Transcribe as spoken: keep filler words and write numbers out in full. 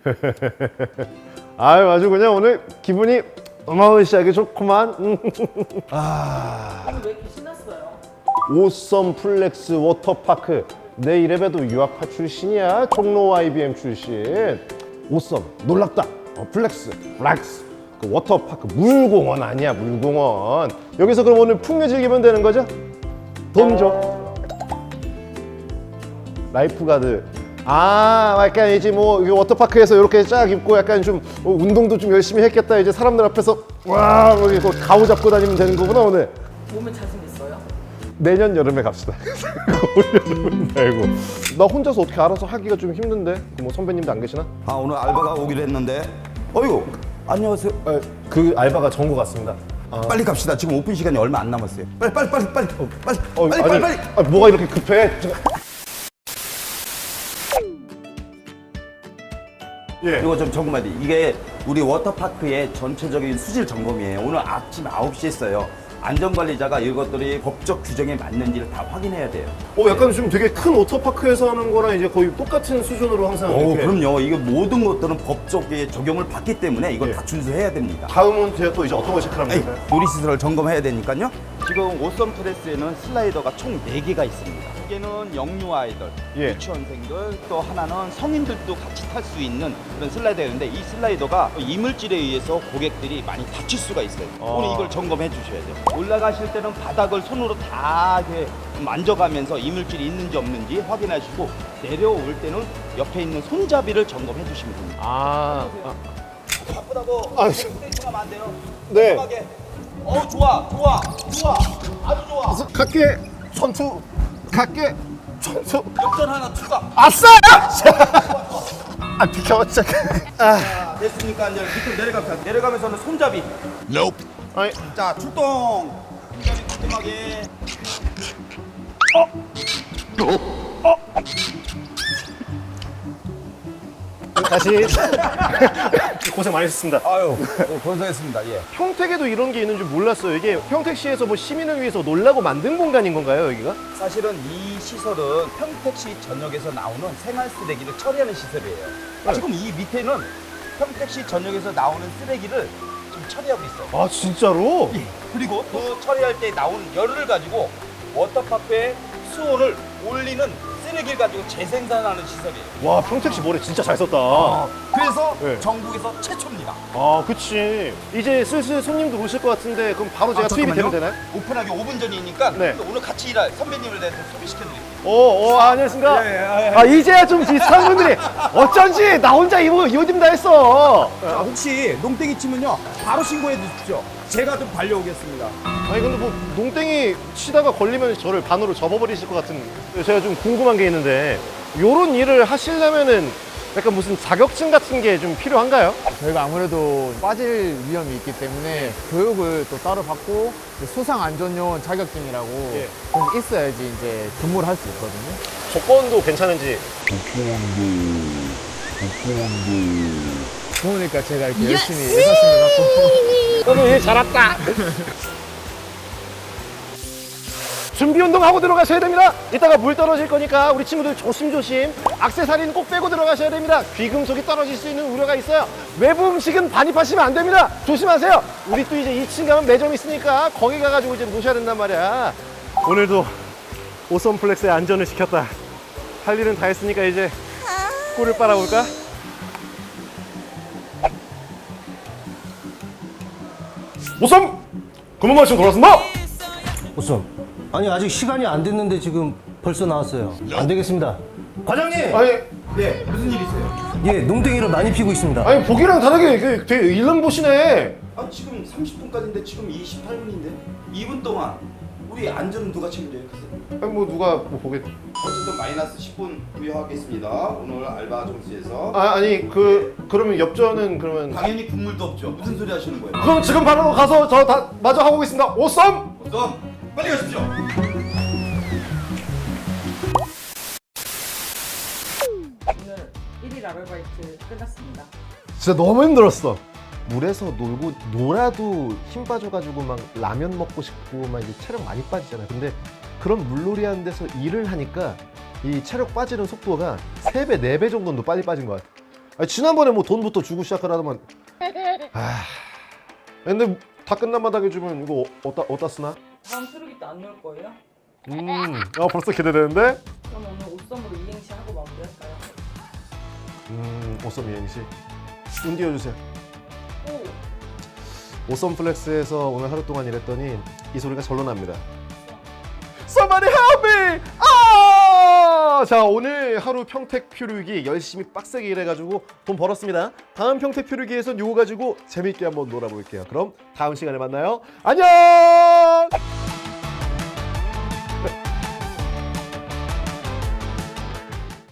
아유, 아주 그냥 오늘 기분이 어마어마하게 좋구만. 아, 오늘 왜 이렇게 신났어요? 오썸 플렉스 워터파크. 내 이래봬도 유학파 출신이야. 종로 아이비엠 출신. 오썸 놀랍다. 어, 플렉스 플렉스 그 워터파크 물공원 아니야, 물공원. 여기서 그럼 오늘 풍요 즐기면 되는 거죠? 돈 줘. 라이프가드. 아, 약간 이제 뭐 워터파크에서 이렇게 쫙 입고 약간 좀 어, 운동도 좀 열심히 했겠다. 이제 사람들 앞에서 와, 뭐 이거 가오 잡고 다니면 되는 거구나 오늘. 몸에 자신 있어요? 내년 여름에 갑시다. 올여름은 말고. 나 혼자서 어떻게 알아서 하기가 좀 힘든데. 뭐 선배님도 안 계시나? 아 오늘 알바가 오기로 했는데 어이구 안녕하세요. 아, 그 알바가 전 것 같습니다. 아. 빨리 갑시다. 지금 오픈 시간이 얼마 안 남았어요. 빨리 빨리 빨리 빨리 어, 빨리 어, 빨리 아니, 빨리 빨리. 아, 뭐가 이렇게 급해? 예. 이거 좀 점검해야 돼. 이게 우리 워터파크의 전체적인 수질 점검이에요. 오늘 아침 아홉 시에 했어요. 안전관리자가 이것들이 법적 규정에 맞는지를 다 확인해야 돼요. 어, 약간 좀 되게 큰 워터파크에서 하는 거랑 이제 거의 똑같은 수준으로 항상 오, 이렇게. 그럼요. 이게 모든 것들은 법적에 적용을 받기 때문에 이걸 예. 다 준수해야 됩니다. 다음은 제가 또 이제 어떤 거 체크하면 에이, 될까요? 놀이시설을 점검해야 되니까요. 지금 오썸 프레스에는 슬라이더가 총 네 개가 있습니다. 한 개는 영유 아이들, 예. 유치원생들, 또 하나는 성인들도 같이 탈 수 있는 그런 슬라이더가 있는데 이 슬라이더가 이물질에 의해서 고객들이 많이 다칠 수가 있어요. 아. 오늘 이걸 점검해 주셔야 돼요. 올라가실 때는 바닥을 손으로 다 이렇게 만져가면서 이물질이 있는지 없는지 확인하시고 내려올 때는 옆에 있는 손잡이를 점검해 주시면 됩니다. 아, 아, 바쁘다고 아, 스테이션하면 안 돼요. 네. 편하게. 어 좋아 좋아 좋아 아주 좋아. 갈게 선수, 갈게 선수. 역전 하나 추가. 아싸! 아, 비켜, 진짜. 아, 자, 됐습니까? 이제 밑으로 내려갑니다. 내려가면서는 손잡이. 아니, 자 출동. 손잡이 깔끔하게. 다시. 고생 많으셨습니다. 아유 고생했습니다. 예. 평택에도 이런 게 있는 줄 몰랐어요. 이게 평택시에서 뭐 시민을 위해서 놀라고 만든 공간인 건가요, 여기가? 사실은 이 시설은 평택시 전역에서 나오는 생활 쓰레기를 처리하는 시설이에요. 네. 지금 이 밑에는 평택시 전역에서 나오는 쓰레기를 지금 처리하고 있어요. 아, 진짜로? 예. 그리고 그 처리할 때 나오는 열을 가지고 워터파크의 수온을 올리는 쓰레기를 가지고 재생산하는 시설이에요. 와, 평택시 머리 진짜 잘 썼다. 그래서 네. 전국에서 최초입니다. 아, 그치. 이제 슬슬 손님들 오실 것 같은데 그럼 바로 제가 아, 투입이 되면 잠깐만요. 되나요? 오픈하기 오 분 전이니까 네. 오늘 같이 일할 선배님을 내서 소개시켜드릴게요. 오, 오, 아, 안녕하십니까? 예, 예, 예. 아, 이제야 좀 비슷한 분들이 어쩐지 나 혼자 이거 이 옷 입다 했어. 자, 혹시 농땡이 치면요 바로 신고해 주십시오. 제가 좀 달려오겠습니다. 아니, 근데 뭐 농땡이 치다가 걸리면 저를 반으로 접어버리실 것 같은. 제가 좀 궁금한 게 있는데 요런 일을 하시려면은 약간 무슨 자격증 같은 게 좀 필요한가요? 저희가 아무래도 빠질 위험이 있기 때문에 교육을 또 따로 받고 수상 안전요원 자격증이라고 예. 좀 있어야지 이제 근무를 할 수 있거든요. 조건도 괜찮은지. 좋으니까 제가 이렇게 열심히 일하시는 것 같고. 오늘 일 잘했다. 준비 운동하고 들어가셔야 됩니다. 이따가 물 떨어질 거니까 우리 친구들 조심조심. 액세서리는 꼭 빼고 들어가셔야 됩니다. 귀금속이 떨어질 수 있는 우려가 있어요. 외부 음식은 반입하시면 안 됩니다. 조심하세요. 우리 또 이제 이 층 가면 매점 있으니까 거기 가가지고 이제 노셔야 된단 말이야. 오늘도 오썸 플렉스의 안전을 지켰다. 할 일은 다 했으니까 이제 꿀을 빨아볼까? 오썸! 근무 마치고 돌아왔습니다. 오썸. 아니 아직 시간이 안 됐는데 지금 벌써 나왔어요. 안 되겠습니다. 과장님! 아니, 네, 무슨 일 있어요? 예, 농땡이를 많이 피고 있습니다. 아니 보기랑 다르게 그 되게 일름 보시네. 아 지금 삼십 분까지인데 지금 이십팔 분인데 이 분 동안 우리 안전은 누가 책임져요? 아니 뭐 누가 뭐 보겠. 어쨌든 마이너스 십 분 부여하겠습니다. 오늘 알바 점수에서 아 아니 그 그러면 엽전은 그러면. 당연히 국물도 없죠. 무슨 소리 하시는 거예요? 그럼 지금 바로 가서 저 다 마저 하고 오겠습니다. 오썸! 어서 빨리 가십시오. 오늘 일 일 아르바이트 끝났습니다. 진짜 너무 힘들었어. 물에서 놀고 놀아도 힘 빠져가지고 막 라면 먹고 싶고 막 이제 체력 많이 빠지잖아. 근데 그런 물놀이 하는 데서 일을 하니까 이 체력 빠지는 속도가 세 배, 네 배 정도는 더 빨리 빠진 것 같아. 아니, 지난번에 뭐 돈부터 주고 시작하라더만. 아, 근데 다 끝난 마당에 주면 이거 어디다 어디다 쓰나? 다음 수록이 때 안 넣을 거예요? 음, 아 벌써 기대되는데? 그럼 오늘 옷선으로 이행시 하고 마무리할까요? 음, 오썸 이행시. 운 띄워주세요. 오! 오썸 플렉스에서 오늘 하루 동안 일했더니 이 소리가 절로 납니다. Somebody help me! 아! 자, 오늘 하루 평택 표류기 열심히 빡세게 일해가지고 돈 벌었습니다. 다음 평택 표류기에선 요거 가지고 재밌게 한번 놀아볼게요. 그럼 다음 시간에 만나요. 안녕!